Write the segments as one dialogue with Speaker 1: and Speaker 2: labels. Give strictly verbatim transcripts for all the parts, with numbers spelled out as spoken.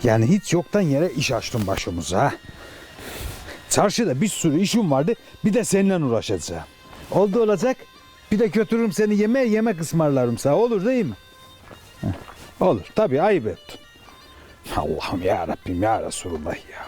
Speaker 1: Yani hiç yoktan yere iş açtın başımıza. Çarşıda bir sürü işim vardı. Bir de seninle uğraşacağım. Oldu olacak. Bir de götürürüm seni yemeğe, yemek ısmarlarım sana. Olur değil mi? Heh, olur. Tabii ayıp ettin. Allah'ım ya Rabbim ya Resulullah ya.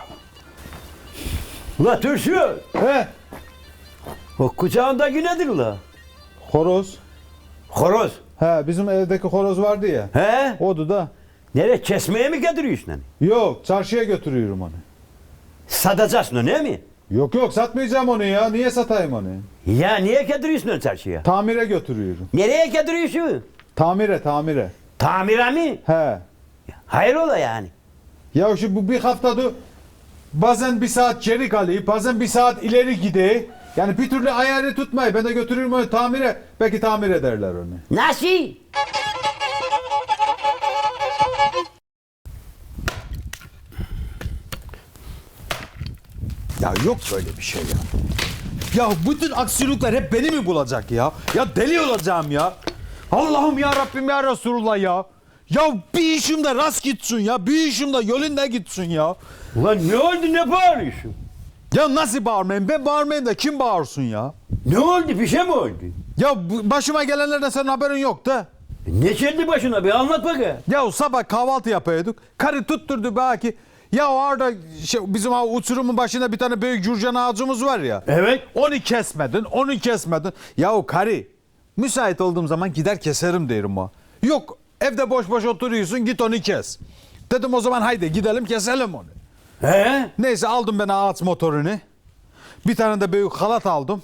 Speaker 2: Ula Türsü,
Speaker 1: He?
Speaker 2: o kucağındaki nedir ula?
Speaker 1: Horoz.
Speaker 2: Horoz.
Speaker 1: He, bizim evdeki horoz vardı ya.
Speaker 2: He?
Speaker 1: Odu da.
Speaker 2: Nereye kesmeye mi getiriyorsun hani?
Speaker 1: Yok, çarşıya götürüyorum onu.
Speaker 2: Satacaksın onu değil mi?
Speaker 1: Yok yok, satmayacağım onu ya. Niye satayım onu?
Speaker 2: Ya niye getiriyorsun onu çarşıya?
Speaker 1: Tamire götürüyorum.
Speaker 2: Nereye getiriyorsun?
Speaker 1: Tamire, tamire.
Speaker 2: Tamire mi?
Speaker 1: He.
Speaker 2: Hayrola yani?
Speaker 1: Ya şu bu bir haftadır bazen bir saat geri kalıyor, bazen bir saat ileri gidiyor. Yani bir türlü ayarı tutmayı. Ben de götürürüm onu tamire. Belki tamir ederler onu.
Speaker 2: Nasıl?
Speaker 1: Ya yok böyle bir şey ya. Ya bütün aksilikler hep beni mi bulacak ya? Ya deli olacağım ya. Allah'ım ya Rabbim ya Resulullah ya. Ya bir işim de rast gitsin ya. Bir işim de yolunda gitsin ya.
Speaker 2: Ulan ne oldu, ne bağırıyorsun?
Speaker 1: Ya nasıl bağırmayayım? Ben bağırmayayım da kim bağırsın ya?
Speaker 2: Ne oldu, bir şey mi oldu?
Speaker 1: Ya bu- başıma gelenlerden senin haberin yok da.
Speaker 2: Ne geldi başına, bir anlat bakayım.
Speaker 1: Ya sabah kahvaltı yapıyorduk. Karı tutturdu belki. Ya orada şey, bizim o uçurumun başında bir tane büyük cürcan ağacımız var ya.
Speaker 2: Evet.
Speaker 1: Onu kesmedin, onu kesmedin. Ya o karı müsait olduğum zaman gider keserim derim o. Yok evde boş boş oturuyorsun, git onu kes. Dedim o zaman haydi gidelim keselim onu.
Speaker 2: He?
Speaker 1: Neyse aldım ben ağaç motorunu. Bir tane de büyük halat aldım.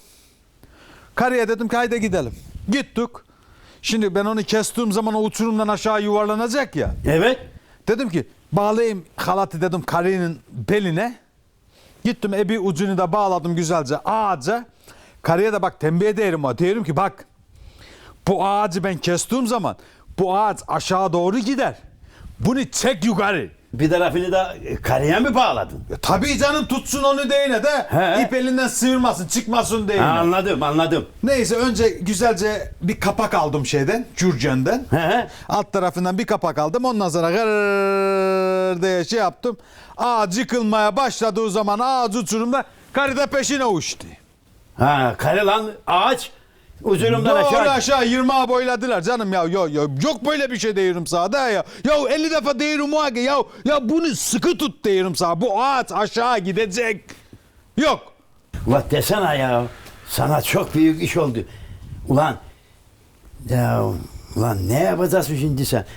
Speaker 1: Karıya dedim ki haydi gidelim. Gittik. Şimdi ben onu kestiğim zaman o uçurumdan aşağı yuvarlanacak ya.
Speaker 2: Evet.
Speaker 1: Dedim ki bağlayayım halatı dedim karının beline. Gittim ebi ucunu da bağladım güzelce ağaca. Karıya da bak tembih ederim o. Diyorum ki bak bu ağacı ben kestiğim zaman bu ağaç aşağı doğru gider. Bunu çek yukarı.
Speaker 2: Bir tarafını da karıya mı bağladın?
Speaker 1: Ya tabii canım tutsun onu değine de
Speaker 2: He.
Speaker 1: ip elinden sıyırmasın çıkmasın değine.
Speaker 2: Ha, anladım, anladım.
Speaker 1: Neyse önce güzelce bir kapak aldım şeyden Cürcen'den.
Speaker 2: He?
Speaker 1: Alt tarafından bir kapak aldım. Ondan sonra gırrrr diye şey yaptım. Ağaç yıkılmaya başladığı zaman ağaç uçurumda karı da peşine uçtu.
Speaker 2: Ha, karı lan ağaç ucunumdan
Speaker 1: Doğru
Speaker 2: aşağı.
Speaker 1: aşağı yirmiye boyladılar canım ya. Yo, yo, yok böyle bir şey diyorum sana da ya. Ya elli defa diyorum o ağaca. Ya, ya bunu sıkı tut diyorum sana. Bu ağaç aşağı gidecek. Yok.
Speaker 2: Ulan desene ya. Sana çok büyük iş oldu. Ulan. Ya ulan ne yapacaksın şimdi sen?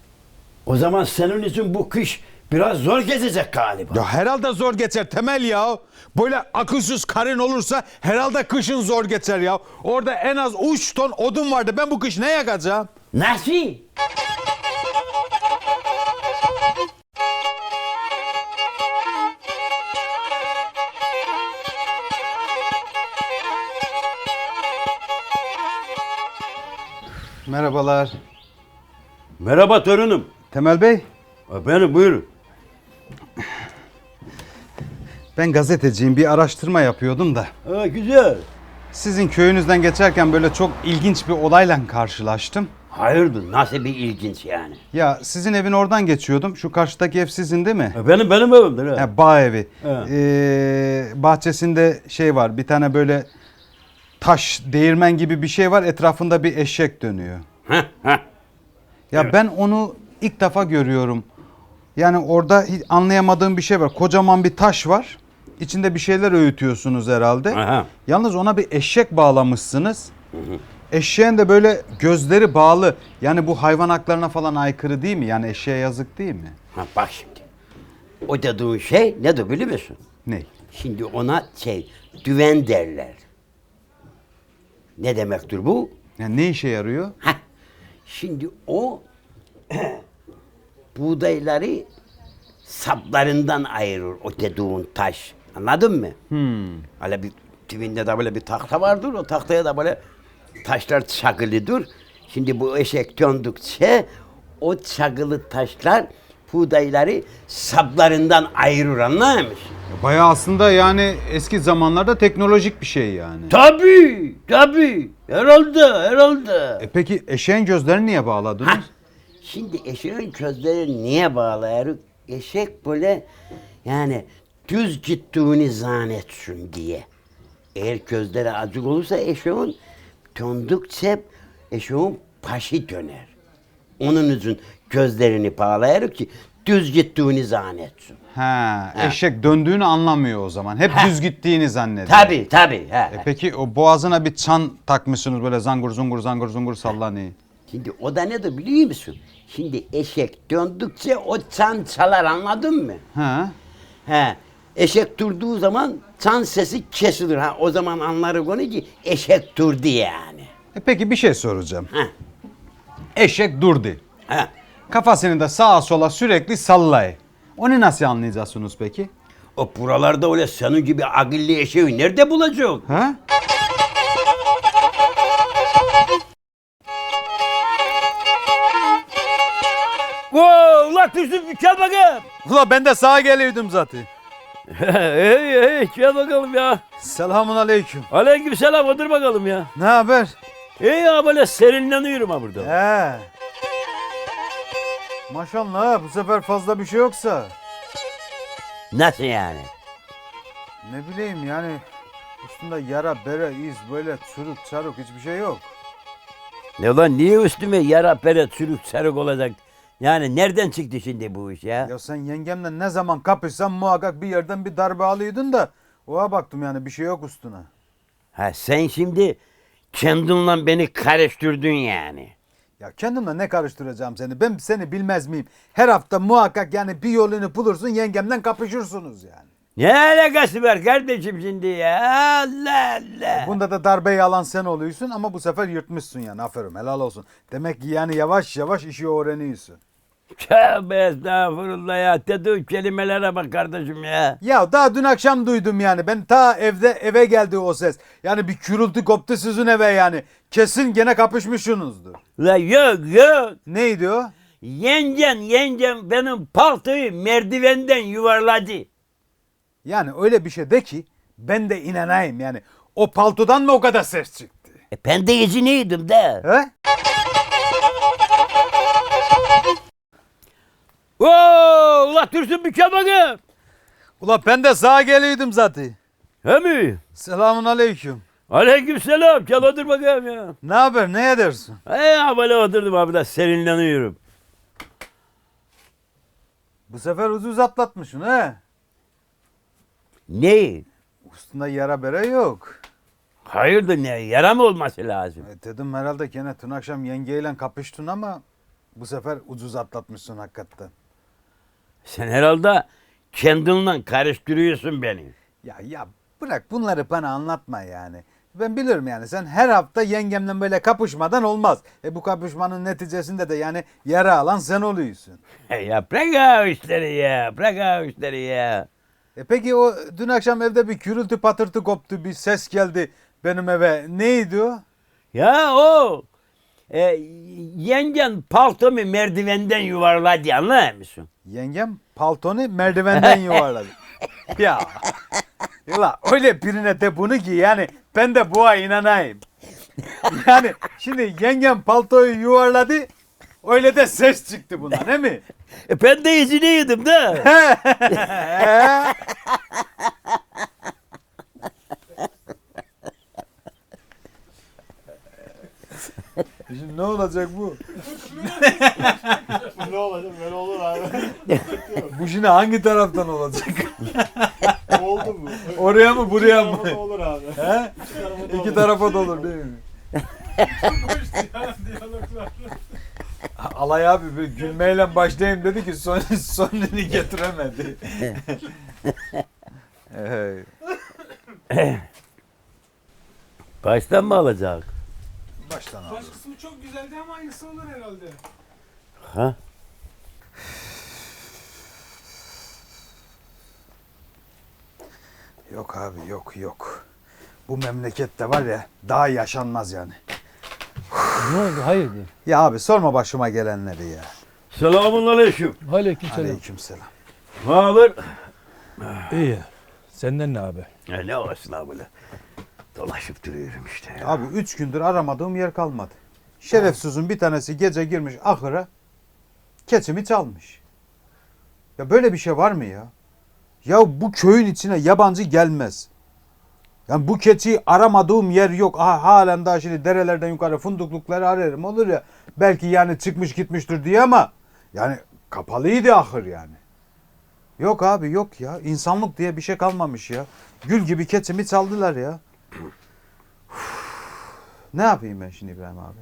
Speaker 2: O zaman senin için bu kış biraz zor geçecek galiba.
Speaker 1: Ya herhalde zor geçer Temel ya. Böyle akılsız karın olursa herhalde kışın zor geçer ya. Orada en az üç ton odun vardı. Ben bu kış ne yakacağım?
Speaker 2: Nasıl?
Speaker 1: Merhabalar.
Speaker 2: Merhaba torunum.
Speaker 1: Temel Bey.
Speaker 2: Ha, Benim buyurun.
Speaker 1: Ben gazeteciyim. Bir araştırma yapıyordum da.
Speaker 2: Ha, güzel.
Speaker 1: Sizin köyünüzden geçerken böyle çok ilginç bir olayla karşılaştım.
Speaker 2: Hayırdır, nasıl bir ilginç yani?
Speaker 1: Ya sizin evin oradan geçiyordum. Şu karşıdaki ev sizin değil mi?
Speaker 2: Ha, Benim benim evimdir ha.
Speaker 1: Ha, bağ evi.
Speaker 2: Evet.
Speaker 1: Ee, bahçesinde şey var. Bir tane böyle taş değirmen gibi bir şey var. Etrafında bir eşek dönüyor.
Speaker 2: Heh, heh.
Speaker 1: Ya ben onu ilk defa görüyorum. Yani orada hiç anlayamadığım bir şey var. Kocaman bir taş var. İçinde bir şeyler öğütüyorsunuz herhalde.
Speaker 2: Aha.
Speaker 1: Yalnız ona bir eşek bağlamışsınız. Eşeğin de böyle gözleri bağlı. Yani bu hayvan haklarına falan aykırı değil mi? Yani eşeğe yazık değil mi?
Speaker 2: Ha, bak şimdi. O dediğin şey nedir biliyor musun?
Speaker 1: Ne?
Speaker 2: Şimdi ona şey, düven derler. Ne demektir bu?
Speaker 1: Yani ne işe yarıyor?
Speaker 2: Heh. Şimdi o buğdayları saplarından ayırır o dediğin taş. Anladın mı?
Speaker 1: Hmm.
Speaker 2: Öyle bir dibinde de böyle bir tahta vardır. O tahtaya da böyle taşlar çakılıdır. Şimdi bu eşek döndükçe o çakılı taşlar buğdayları saplarından ayırır, anlar mısın?
Speaker 1: Bayağı aslında yani eski zamanlarda teknolojik bir şey yani.
Speaker 2: Tabii, tabii. Herhalde, herhalde.
Speaker 1: E peki eşeğin gözlerini niye bağladınız?
Speaker 2: Hah, şimdi eşeğin közleri niye bağlayarız? eşek böyle yani düz gittiğini zannetsin diye. Eğer gözleri acık olursa eşeğin döndükçe eşeğin başı döner. Onun için gözlerini bağlayarak ki düz gittiğini zannetsin.
Speaker 3: Ha, eşek döndüğünü anlamıyor o zaman. Hep düz gittiğini zannediyor.
Speaker 2: Tabii tabii. He.
Speaker 3: E peki o boğazına bir çan takmışsınız böyle zangur zungur zangur zungur sallanıyor.
Speaker 2: Şimdi o da nedir biliyor musun? Şimdi eşek döndükçe o çan çalar, anladın mı?
Speaker 3: Ha?
Speaker 2: He. Eşek durduğu zaman çan sesi kesilir. Ha, o zaman anlarız onu ki eşek durdu yani.
Speaker 3: E peki bir şey soracağım.
Speaker 2: Ha.
Speaker 3: Eşek durdu.
Speaker 2: Ha.
Speaker 3: Kafasını da sağa sola sürekli sallay. Onu nasıl anlayacaksınız peki?
Speaker 2: O buralarda öyle senin gibi akıllı eşeği nerede bulacak?
Speaker 3: Ha?
Speaker 4: Wow, ulan Türsün bir çal bakayım.
Speaker 3: Ula ben de sağa geliyordum zaten.
Speaker 4: hey hey çal bakalım ya.
Speaker 3: Selamun aleyküm.
Speaker 4: Aleyküm selam, otur bakalım ya.
Speaker 3: Ne haber?
Speaker 4: İyi ya, böyle serinleniyorum ha burada.
Speaker 3: He. Maşallah bu sefer fazla bir şey yoksa.
Speaker 2: Nasıl yani?
Speaker 3: Ne bileyim yani üstünde yara, bere, iz böyle çürük çarık hiçbir şey yok.
Speaker 4: Ne ulan, niye üstüme yara pere çürük sarık olacak? Yani nereden çıktı şimdi bu iş ya?
Speaker 3: Ya sen yengemle ne zaman kapışsan muhakkak bir yerden bir darbe alıyordun da oha baktım yani bir şey yok üstüne.
Speaker 2: Ha, sen şimdi kendinle beni karıştırdın yani.
Speaker 3: Ya kendimle ne karıştıracağım seni? Ben seni bilmez miyim? Her hafta muhakkak yani bir yolunu bulursun yengemle kapışırsınız yani.
Speaker 4: Ne alakası var kardeşim şimdi ya? Allah Allah.
Speaker 3: Bunda da darbeyi alan sen oluyorsun ama bu sefer yırtmışsın yani aferin helal olsun. Demek ki yani yavaş yavaş işi öğreniyorsun.
Speaker 4: Tövbe estağfurullah ya. Dediğin kelimelere bak kardeşim ya.
Speaker 3: Ya daha dün akşam duydum yani ben ta evde eve geldi o ses. Yani bir gürültü koptu sizin eve yani. Kesin gene kapışmışsınızdır.
Speaker 4: La yok yok.
Speaker 3: Neydi o?
Speaker 4: Yengem yengem benim paltoyu merdivenden yuvarladı.
Speaker 3: Yani öyle bir şey de ki ben de inanayım yani. O paltodan mı o kadar ses çıktı?
Speaker 2: E, ben de izinliydim de.
Speaker 3: He?
Speaker 4: Oo, ula Türsün bir çal bakayım.
Speaker 3: Ula ben de sağa geliyordum zaten.
Speaker 4: He mi?
Speaker 3: Selamun aleyküm.
Speaker 4: Aleyküm selam. Çal, otur bakayım ya.
Speaker 3: Ne haber ne edersin?
Speaker 4: He ya, böyle oturdum abi da serinleniyorum.
Speaker 3: Bu sefer ucuz atlatmışsın he?
Speaker 2: Ne?
Speaker 3: Üstünde yara bere yok.
Speaker 4: Hayırdır, ne yara mı olması lazım?
Speaker 3: E, dedim herhalde gene dün akşam yengeyle kapıştın ama bu sefer ucuz atlatmışsın hakikaten.
Speaker 4: Sen herhalde kendinle karıştırıyorsun beni.
Speaker 3: Ya ya bırak bunları bana anlatma yani. Ben biliyorum yani sen her hafta yengemle böyle kapışmadan olmaz. E bu kapışmanın neticesinde de yani yara alan sen oluyorsun.
Speaker 4: Ya bırak ha işleri ya. Bırak ha işleri ya.
Speaker 3: E peki o dün akşam evde bir gürültü patırtı koptu bir ses geldi benim eve. Neydi o?
Speaker 4: Ya o e, yengen paltomu merdivenden yuvarladı, anlar mısın?
Speaker 3: Yengem paltonu merdivenden yuvarladı. Ya. Yula öyle birine de bunu ki yani ben de buna inanayım. Yani şimdi yengem paltoyu yuvarladı öyle de ses çıktı bundan değil mi?
Speaker 4: E, ben de izinliydim de.
Speaker 3: Şimdi ne olacak bu?
Speaker 5: Ne olacak? Böyle olur abi.
Speaker 3: Bu şimdi hangi taraftan olacak?
Speaker 5: Oldu mu?
Speaker 3: Oraya mı buraya mı?
Speaker 5: Tarafa da olur abi.
Speaker 3: He? İki tarafa da olur değil mi?
Speaker 5: Diyaloglar.
Speaker 3: Alay abi bir gülmeyle başlayayım dedi ki son, sonunu getiremedi. Evet.
Speaker 4: Baştan mı alacak?
Speaker 3: Baştan abi.
Speaker 5: Baş kısmı çok güzeldi ama aynısı olur herhalde.
Speaker 4: Ha?
Speaker 3: Yok abi yok yok. Bu memlekette var ya daha yaşanmaz yani.
Speaker 6: Ne oldu? Hayırdır?
Speaker 3: Ya abi sorma başıma gelenleri ya.
Speaker 4: Selamun aleyküm.
Speaker 6: Aleykümselam.
Speaker 3: Aleykümselam.
Speaker 4: Ne haber?
Speaker 6: İyi. Senden ne abi?
Speaker 4: E, ne olsun abi böyle. Dolaşıp duruyorum işte ya.
Speaker 3: Abi üç gündür aramadığım yer kalmadı. Şerefsizin bir tanesi gece girmiş ahıra keçimi çalmış. Ya böyle bir şey var mı ya? Ya bu köyün içine yabancı gelmez. Yani bu keçiyi aramadığım yer yok. Aha, halen daha şimdi derelerden yukarı funduklukları ararım olur ya. Belki yani çıkmış gitmiştir diye ama yani kapalıydı ahır yani. Yok abi yok ya. İnsanlık diye bir şey kalmamış ya. Gül gibi keçimi çaldılar ya. Ne yapayım ben şimdi İbrahim abi?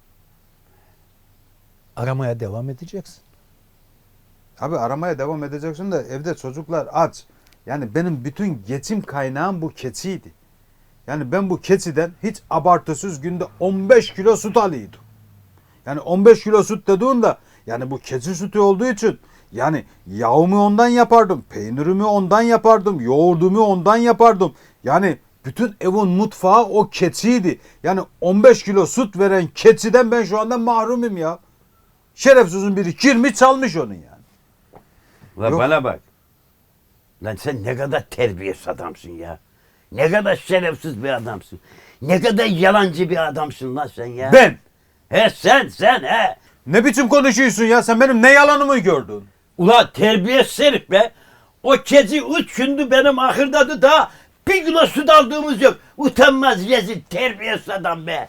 Speaker 6: Aramaya devam edeceksin.
Speaker 3: Abi aramaya devam edeceksin de evde çocuklar aç. Yani benim bütün geçim kaynağım bu keçiydi. Yani ben bu keçiden hiç abartısız günde on beş kilo süt alıyordum. Yani on beş kilo süt dediğinde yani bu keçi sütü olduğu için yani yağımı ondan yapardım, peynirimi ondan yapardım, yoğurdumu ondan yapardım. Yani bütün evin mutfağı o keçiydi. Yani on beş kilo süt veren keçiden ben şu anda mahrumum ya. Şerefsizin biri kirmi çalmış onun yani.
Speaker 4: Ulan
Speaker 3: Yok.
Speaker 4: bana bak. Lan sen ne kadar terbiyesiz adamsın ya. Ne kadar şerefsiz bir adamsın. Ne kadar yalancı bir adamsın lan sen ya.
Speaker 3: Ben!
Speaker 4: He sen sen he.
Speaker 3: Ne biçim konuşuyorsun ya? Sen benim ne yalanımı gördün?
Speaker 4: Ulan terbiyesiz herif be. O kezi üç gündür benim ahırdadı da bir kilo süt aldığımız yok. Utanmaz rezil terbiyesiz adam be.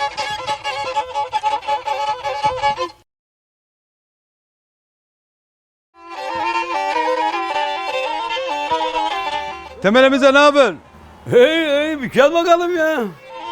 Speaker 3: Temelimize ne haber?
Speaker 4: Hey hey bir gel bakalım ya.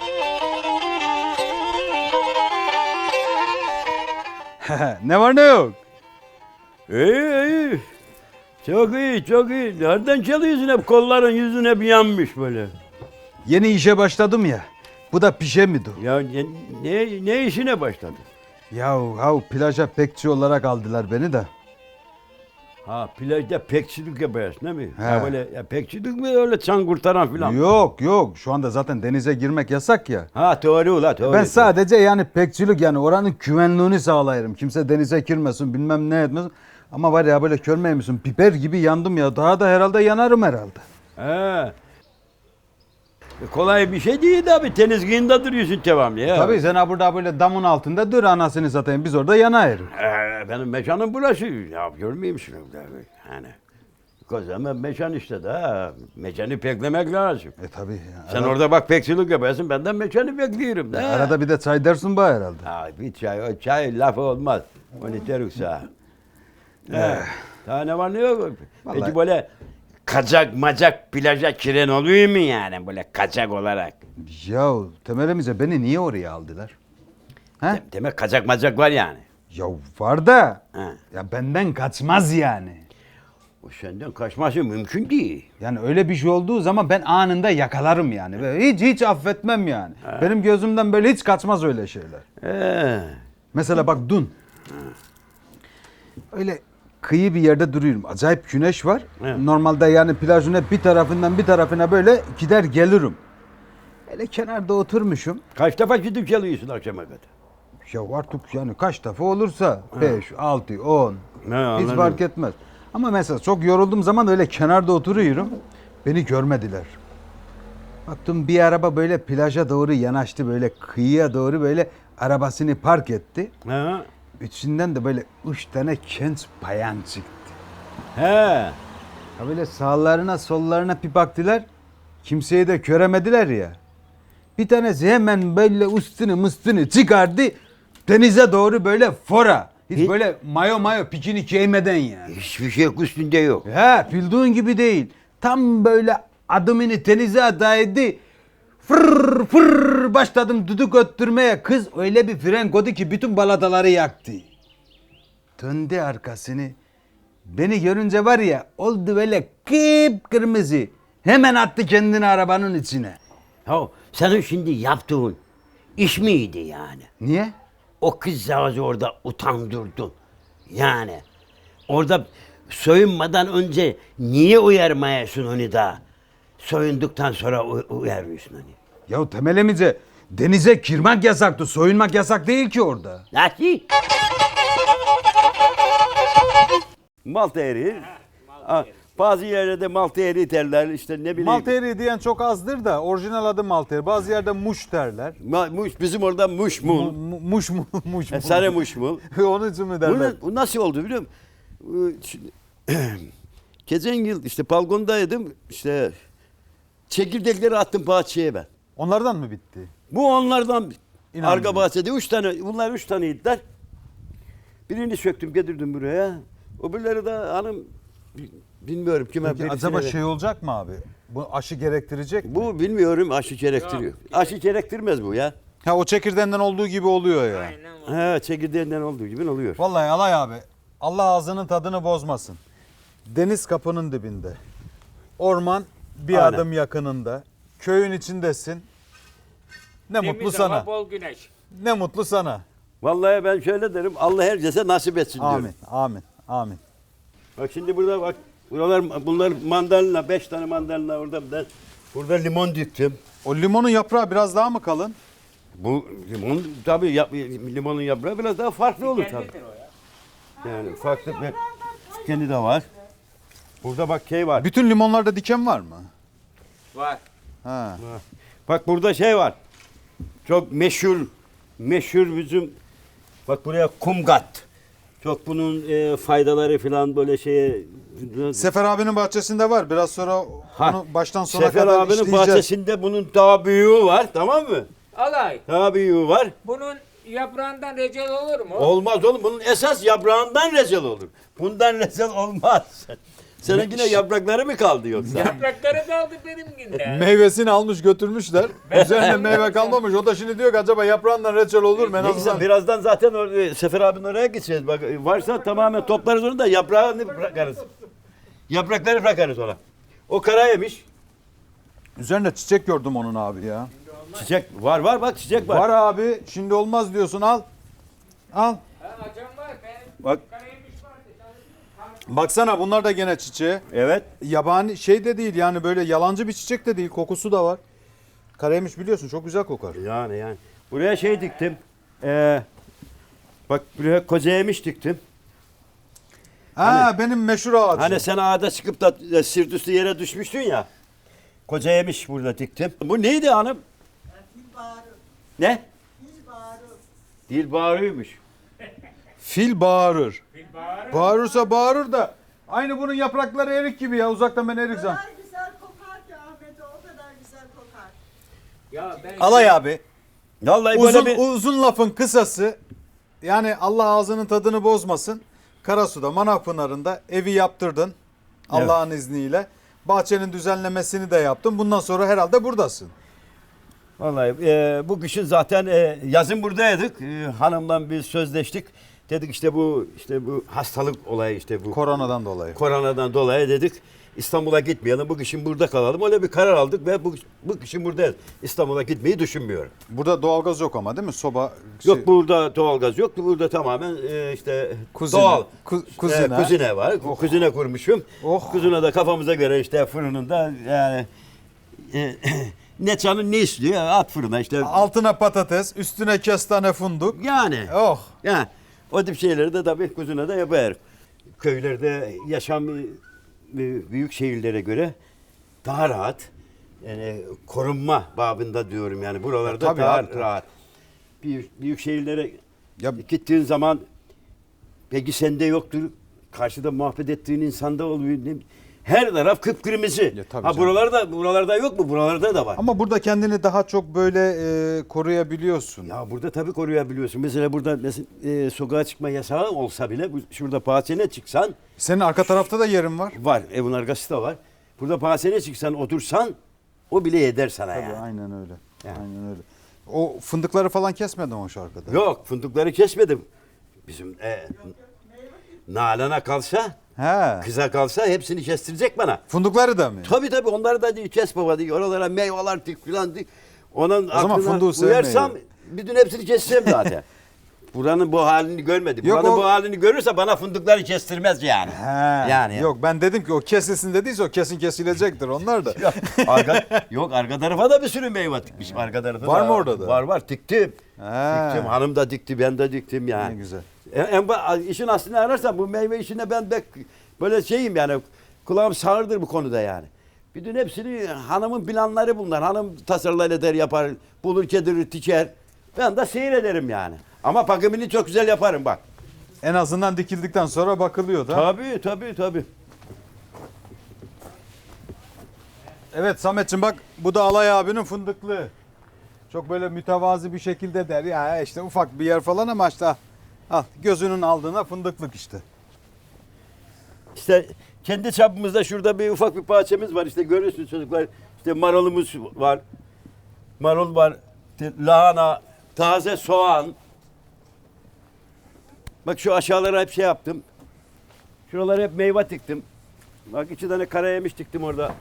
Speaker 3: Ne var ne yok?
Speaker 4: İyi iyi. Çok iyi çok iyi. Nereden çalıyorsun hep kolların yüzün hep yanmış böyle.
Speaker 3: Yeni işe başladım ya. Bu da pişe mi dur?
Speaker 4: Ya ne, ne, ne işine başladın?
Speaker 3: Yahu hav plaja bekçi olarak aldılar beni de.
Speaker 4: Ha plajda pekçilik yapıyorsun değil mi?
Speaker 3: He.
Speaker 4: Ha böyle ya pekçilik mi öyle çan kurtaran filan?
Speaker 3: Yok yok şu anda zaten denize girmek yasak ya.
Speaker 4: Ha doğru ula doğru.
Speaker 3: Ben sadece yani bekçilik yani oranın güvenliğini sağlayırım. Kimse denize girmesin bilmem ne etmesin. Ama var ya böyle körmeye misin? Biber gibi yandım ya. Daha da herhalde yanarım herhalde.
Speaker 4: He. E, kolay bir şey değil abi. Deniz kıyında duruyorsun devamlı ya.
Speaker 3: Tabii sen ha burada böyle damın altında dur anasını satayım. Biz orada yanayırız.
Speaker 4: Ee, benim mekanım burası. Ya görmeyeyim şunu. Yani. Kocaman mekan işte da. Mekanı beklemek lazım.
Speaker 3: E tabii. ya.
Speaker 4: Sen
Speaker 3: Arada-
Speaker 4: orada bak bekçilik yapıyorsun. Ben de mekanı bekliyorum. Da.
Speaker 3: Arada bir de çay dersin bana herhalde.
Speaker 4: Ha, bir çay, o çay lafı olmaz. Onu derim sana. He. Daha ne var ne yok. Peki
Speaker 3: Vallahi-
Speaker 4: böyle kacak macak plaja kiren oluyor mu yani böyle kacak olarak?
Speaker 3: Ya temelimize beni niye oraya aldılar? He?
Speaker 4: De- demek kacak macak var yani.
Speaker 3: Ya var da
Speaker 4: He.
Speaker 3: ya benden kaçmaz yani.
Speaker 4: O senden kaçması mümkün değil.
Speaker 3: Yani öyle bir şey olduğu zaman ben anında yakalarım yani. Böyle hiç hiç affetmem yani. Benim gözümden böyle hiç kaçmaz öyle şeyler.
Speaker 4: He.
Speaker 3: Mesela bak dün. Öyle kıyı bir yerde duruyorum. Acayip güneş var.
Speaker 4: Evet.
Speaker 3: Normalde yani plajın hep bir tarafından bir tarafına böyle gider gelirim. Öyle kenarda oturmuşum.
Speaker 4: Kaç defa gidip geliyorsun akşama kadar?
Speaker 3: Ya artık yani kaç defa olursa beş, altı, on
Speaker 4: Ne,
Speaker 3: hiç
Speaker 4: anladım.
Speaker 3: fark etmez. Ama mesela çok yorulduğum zaman öyle kenarda oturuyorum. Beni görmediler. Baktım bir araba böyle plaja doğru yanaştı böyle kıyıya doğru böyle arabasını park etti.
Speaker 4: Ha.
Speaker 3: İçinden de böyle üç tane genç bayan çıktı.
Speaker 4: He.
Speaker 3: Ha böyle sağlarına sollarına bir baktılar. Kimseyi de göremediler ya. Bir tanesi hemen böyle üstünü mıstını çıkardı. Denize doğru böyle fora. Hiç
Speaker 4: Hiç-
Speaker 3: böyle mayo mayo pikini giymeden yani.
Speaker 4: Hiçbir şey üstünde yok.
Speaker 3: He bildiğin gibi değil. Tam böyle adımını denize adaydı. Fır fır başladım düdük öttürmeye. Kız öyle bir fren koydu ki bütün balataları yaktı. Döndü arkasını. Beni görünce var ya oldu böyle kıpkırmızı. Hemen attı kendini arabanın içine.
Speaker 4: Ya senin şimdi yaptığın iş miydi yani?
Speaker 3: Niye?
Speaker 4: O kızcağızı orada utandırdın. Yani orada soyunmadan önce niye uyarmayasın onu da? Soyunduktan sonra u- uyarıyorsun onu.
Speaker 3: Ya temelimize denize girmek yasaktı. Soyunmak yasak değil ki orada.
Speaker 4: Nasıl? Malta eriği. Ha, bazı yerlerde malta eriği derler işte ne bileyim.
Speaker 3: Malta eriği diyen çok azdır da orijinal adı malta eriği. Bazı yerde muş derler.
Speaker 4: Ma- muş, bizim orada muşmul.
Speaker 3: Mu- mu- muş mu muş mu.
Speaker 4: E, sarı muşmul.
Speaker 3: Onun için mi derler?
Speaker 4: Bu, bu nasıl oldu biliyor musun? Bu, şimdi-
Speaker 2: Geçen yıl işte balkondaydım. İşte çekirdekleri attım bahçeye ben.
Speaker 3: Onlardan mı bitti?
Speaker 2: Bu onlardan
Speaker 3: İnanmıyorum.
Speaker 2: arka bahçede üç tane, bunlar üç taneydiler. Birini söktüm getirdim buraya. Öbürleri de hanım bilmiyorum kime
Speaker 3: Peki
Speaker 2: birisine
Speaker 3: acaba
Speaker 2: ver-
Speaker 3: şey olacak mı abi? Bu aşı gerektirecek mi?
Speaker 2: Bu bilmiyorum aşı gerektiriyor. Aşı gerektirmez bu ya.
Speaker 3: Ha o çekirdeğinden olduğu gibi oluyor ya.
Speaker 2: He çekirdeğinden olduğu gibi oluyor.
Speaker 3: Vallahi Alay abi Allah ağzının tadını bozmasın. Deniz kapının dibinde. Orman bir
Speaker 2: Aynen.
Speaker 3: adım yakınında. Köyün içindesin. Ne mutlu
Speaker 7: Temiz
Speaker 3: sana.
Speaker 7: hava, bol güneş.
Speaker 3: Ne mutlu sana.
Speaker 2: Vallahi ben şöyle derim Allah herkese nasip etsin diyorum.
Speaker 3: Amin. Amin. Amin.
Speaker 2: Bak şimdi burada bak buralar bunlar mandalina beş tane mandalina orada ben burada limon diktim.
Speaker 3: O limonun yaprağı biraz daha mı kalın?
Speaker 2: Bu limon tabii yap, limonun yaprağı biraz daha farklı olur tabii.
Speaker 7: Kendidir o ya.
Speaker 2: Yani farklı bir kendi de var. Burada bak şey var.
Speaker 3: Bütün limonlarda diken var mı?
Speaker 7: Var.
Speaker 3: Ha.
Speaker 2: Bak burada şey var. Çok meşhur meşhur bizim bak buraya kumgat. Çok bunun e, faydaları falan böyle şeye
Speaker 3: Sefer abinin bahçesinde var. Biraz sonra
Speaker 2: Ha,
Speaker 3: onu baştan sona
Speaker 2: Sefer
Speaker 3: kadar
Speaker 2: abinin
Speaker 3: işleyeceğiz.
Speaker 2: bahçesinde bunun daha büyüğü var tamam mı?
Speaker 7: Alay.
Speaker 2: Daha büyüğü var.
Speaker 7: Bunun yaprağından reçel olur mu?
Speaker 2: Olmaz oğlum bunun esas yaprağından rezil olur. Bundan rezil olmaz. Senin yine yaprakları mı kaldı yoksa?
Speaker 7: Yaprakları kaldı benimkinde.
Speaker 3: Meyvesini almış götürmüşler. Üzerine meyve kalmamış. O da şimdi diyor ki acaba yaprağından reçel olur mu? En
Speaker 2: Neyse
Speaker 3: azından
Speaker 2: birazdan zaten or- Sefer abinin oraya gideceğiz. Bak varsa tamamen toplarız onu da yaprağını bırakarız. Yaprakları bırakarız ona. O kara yemiş.
Speaker 3: üzerinde çiçek gördüm onun abi ya.
Speaker 2: Çiçek var var bak çiçek var.
Speaker 3: Var abi. Şimdi olmaz diyorsun al. Al.
Speaker 7: Ha, açan var. Ben
Speaker 2: Bak
Speaker 7: karaymış vardı.
Speaker 3: Baksana bunlar da gene çiçeği.
Speaker 2: evet.
Speaker 3: Yabani şey de değil yani böyle yalancı bir çiçek de değil. Kokusu da var. Karaymış biliyorsun çok güzel kokar.
Speaker 2: Yani yani. Buraya şey diktim. Ee, bak buraya koca yemiş diktim.
Speaker 3: Ha benim meşhur ağacım.
Speaker 2: Hani sen ağda çıkıp da e, sırt üstü yere düşmüştün ya. Koca yemiş burada diktim. Bu neydi hanım? Ne? Dil bağırıyormuş.
Speaker 3: Fil bağırır.
Speaker 7: Bir bağırır.
Speaker 3: Bağırırsa bağırır da aynı bunun yaprakları erik gibi ya. Uzaktan ben erik
Speaker 8: O
Speaker 3: zan.
Speaker 8: kadar güzel kokar ki Ahmet o kadar güzel kokar.
Speaker 7: Ya ben
Speaker 3: Alay abi.
Speaker 2: Vallahi
Speaker 3: Uzun,
Speaker 2: böyle bir...
Speaker 3: uzun lafın kısası yani Allah ağzının tadını bozmasın. Karasu'da Manav Pınarı'nda evi yaptırdın Allah'ın izniyle. Bahçenin düzenlemesini de yaptın. Bundan sonra herhalde buradasın.
Speaker 2: Vallahi e, bu kışın zaten e, yazın buradaydık. E, hanımla biz sözleştik. Dedik işte bu işte bu hastalık olayı işte bu
Speaker 3: Koronadan dolayı.
Speaker 2: koronadan dolayı dedik İstanbul'a gitmeyelim. Bu kışın burada kalalım. Öyle bir karar aldık ve bu, bu kışın buradayız. İstanbul'a gitmeyi düşünmüyorum.
Speaker 3: Burada doğalgaz yok ama değil mi? Soba
Speaker 2: Yok
Speaker 3: şey-
Speaker 2: burada doğalgaz yok. Burada tamamen e, işte
Speaker 3: Kuzine.
Speaker 2: doğal.
Speaker 3: Ku-
Speaker 2: E,
Speaker 3: kuzine.
Speaker 2: kuzine var. Kuzine kurmuşum.
Speaker 3: Oh.
Speaker 2: Kuzine de kafamıza göre işte fırınında yani e, ne canın ne istiyor at fırına işte.
Speaker 3: Altına patates, üstüne kestane fındık.
Speaker 2: Yani.
Speaker 3: Oh.
Speaker 2: Ya o tip şeyleri de tabii kuzine de yapar. Köylerde yaşam e, büyük şehirlere göre daha rahat. Yani korunma babında diyorum yani buralarda
Speaker 3: Tabii
Speaker 2: daha
Speaker 3: abi, tabii.
Speaker 2: rahat. Büyük, büyük şehirlere
Speaker 3: Ya
Speaker 2: gittiğin zaman peki sende yoktur. Karşıda muhabbet ettiğin insanda oluyor. Ne- Her taraf kıpkırmızı.
Speaker 3: Ya tabii
Speaker 2: Ha
Speaker 3: canım.
Speaker 2: buralarda buralarda yok mu? Buralarda da var.
Speaker 3: ama burada kendini daha çok böyle e, koruyabiliyorsun.
Speaker 2: Ya burada tabii koruyabiliyorsun. Mesela burada mesela, e, sokağa çıkma yasağı olsa bile bu, şurada bahçene çıksan
Speaker 3: Senin arka tarafta da yerin var.
Speaker 2: var. Evin arkası da var. Burada bahçene çıksan otursan o bile eder sana
Speaker 3: Tabii
Speaker 2: yani.
Speaker 3: aynen öyle.
Speaker 2: Yani.
Speaker 3: Aynen öyle. O fındıkları falan kesmedin o şarkıda.
Speaker 2: Yok fındıkları kesmedim. Bizim e, Nalan'a kalsa
Speaker 3: He.
Speaker 2: kıza kalsa hepsini kestirecek bana.
Speaker 3: Fındıkları da mı?
Speaker 2: Tabii tabii onları da diyor kes baba diyor. Oralara meyveler dik filan dik. Onun
Speaker 3: zaman
Speaker 2: aklına
Speaker 3: fındığı
Speaker 2: uyarsam
Speaker 3: sevmiyor.
Speaker 2: bütün hepsini keseceğim zaten. Buranın bu halini görmedi.
Speaker 3: Yok,
Speaker 2: Buranın
Speaker 3: o-
Speaker 2: bu halini görürse bana fındıkları kestirmez yani.
Speaker 3: He.
Speaker 2: Yani.
Speaker 3: Yok ben dedim ki o kesilsin dediyse o kesin kesilecektir onlar da.
Speaker 2: Yok, arka, yok arka tarafa da bir sürü meyve dikmiş. Arka tarafta
Speaker 3: Var
Speaker 2: da-
Speaker 3: mı orada da?
Speaker 2: Var var diktim.
Speaker 3: He.
Speaker 2: Diktim. Hanım da dikti ben de diktim yani.
Speaker 3: Ne güzel.
Speaker 2: En, en ba- işin aslını ararsan bu meyve işine ben bek böyle şeyim yani kulağım sağırdır bu konuda yani. Bütün hepsini hanımın planları bunlar. Hanım tasarlar eder yapar. Bulur kedirir diker. Ben de seyrederim yani. Ama bakımını çok güzel yaparım bak.
Speaker 3: En azından dikildikten sonra bakılıyor da.
Speaker 2: Tabii tabii tabii.
Speaker 3: Evet Samet'ciğim bak bu da Alay abinin fındıklı. Çok böyle mütevazi bir şekilde der ya işte ufak bir yer falan ama işte al gözünün aldığına fındıklık işte.
Speaker 4: İşte kendi çapımızda şurada bir ufak bir bahçemiz var. İşte görüyorsunuz çocuklar. İşte marulumuz var. Marul var. İşte lahana, taze soğan. Bak şu aşağılara hep şey yaptım. Şuralara hep meyve diktim. Bak iki tane kara yemiş diktim orada.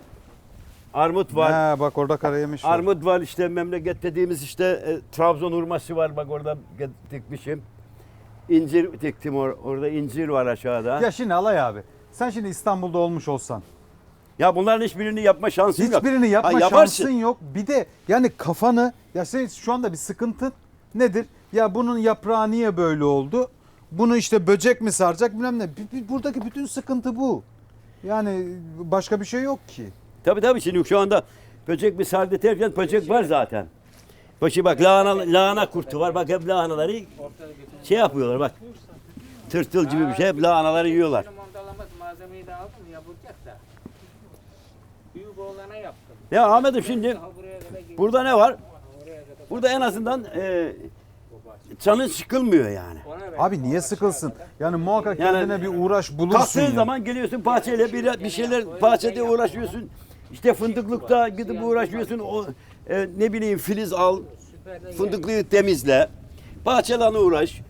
Speaker 4: Armut var.
Speaker 3: Ha, bak orada karayemiş var.
Speaker 4: Armut var işte memleket dediğimiz işte e, Trabzon hurması var bak orada dikmişim. İncir diktim or orada incir var aşağıda. Ya,
Speaker 3: Ya şimdi Alay abi sen şimdi İstanbul'da olmuş olsan
Speaker 4: bunların hiçbirini yapma şansın yok.
Speaker 3: hiçbirini yapma
Speaker 4: Ha, yaparsın.
Speaker 3: şansın yok. Bir de yani kafanı ya sen şu anda bir sıkıntın nedir? Ya bunun yaprağı niye böyle oldu? Bunu işte böcek mi saracak bilmem ne. B- b- Buradaki bütün sıkıntı bu. Yani başka bir şey yok ki.
Speaker 4: Tabii tabii şimdi şu anda böcek bir sardı derken böcek var zaten. Başı bak lahana, lahana kurtu var. Bak hep lahanaları şey yapıyorlar bak. Tırtıl gibi bir şey hep lahanaları yiyorlar.
Speaker 7: Benim ondalamaz malzemeyi de aldım yapılacak da. Büyük oğlana yaptım.
Speaker 4: Ya Ahmet'im şimdi
Speaker 7: Daha buraya kadar geldim.
Speaker 4: burada ne var?
Speaker 7: Oraya kadar.
Speaker 4: Burada en azından e, canın sıkılmıyor yani.
Speaker 7: Ona ver.
Speaker 3: Abi niye sıkılsın? Yani muhakkak
Speaker 4: Yani-
Speaker 3: kendine bir uğraş bulursun
Speaker 4: Kalktığın
Speaker 3: ya.
Speaker 4: zaman geliyorsun bahçeyle bir, bir şeyler bahçede uğraşıyorsun. İşte fındıklıkta gidip uğraşıyorsun. O e, ne bileyim filiz al, fındıklığı temizle. Bahçelerle uğraş.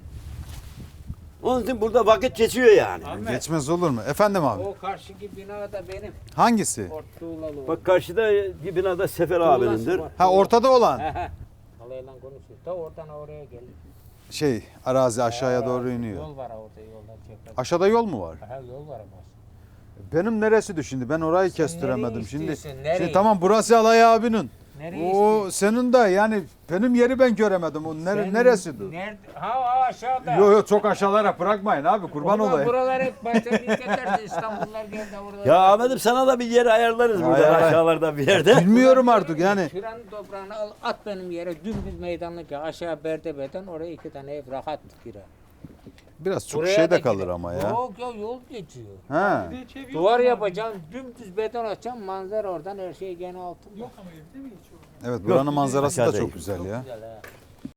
Speaker 4: Onun için burada vakit geçiyor yani.
Speaker 3: Geçmez olur mu? Efendim abi.
Speaker 7: O karşıki bina da benim.
Speaker 3: Hangisi?
Speaker 7: Ortuğlalı.
Speaker 4: Bak karşıda bir binada Sefer abinindir.
Speaker 3: Ha ortada olan.
Speaker 7: Alayla konuşuyor. Da oradan oraya gelir.
Speaker 3: Şey arazi aşağıya doğru iniyor.
Speaker 7: Yol var orada yoldan çeker.
Speaker 3: Aşağıda yol mu var?
Speaker 7: Ha yol var ama.
Speaker 3: Benim neresi şimdi? Ben orayı kestiremedim
Speaker 7: nereyi
Speaker 3: şimdi.
Speaker 7: istiyorsun, nereyi?
Speaker 3: Şey, tamam burası Alay abinin.
Speaker 7: Nereye
Speaker 3: O senin de yani benim yeri ben göremedim. O nere,
Speaker 7: Sen
Speaker 3: neresidir?
Speaker 7: Nerede? Ha ha, aşağıda.
Speaker 3: Yo yo çok aşağılara bırakmayın abi kurban
Speaker 7: Ulan
Speaker 3: olayım.
Speaker 7: Buralar hep başta bir ederse İstanbullular geldi orada.
Speaker 4: Ya Ahmet'im sana da bir yer ayarlarız burada
Speaker 3: Ayarlar.
Speaker 4: aşağılarda bir yerde.
Speaker 3: Bilmiyorum artık yani.
Speaker 7: Şuranın toprağını al at benim yere dümdüz meydanlık ya aşağı berdebeden oraya iki tane ev rahat girer.
Speaker 3: Biraz çok
Speaker 7: Buraya
Speaker 3: şey
Speaker 7: da
Speaker 3: de
Speaker 7: gider.
Speaker 3: kalır ama ya.
Speaker 7: Yok ya yol geçiyor.
Speaker 3: Ha.
Speaker 7: Duvar yapacağım dümdüz beton açacağım manzara oradan her şey gene altın.
Speaker 5: Yok ama evde mi hiç o?
Speaker 3: Evet buranın manzarası da
Speaker 4: Aşağıda
Speaker 3: çok
Speaker 4: iyi.
Speaker 3: güzel ya.
Speaker 7: Güzel ha.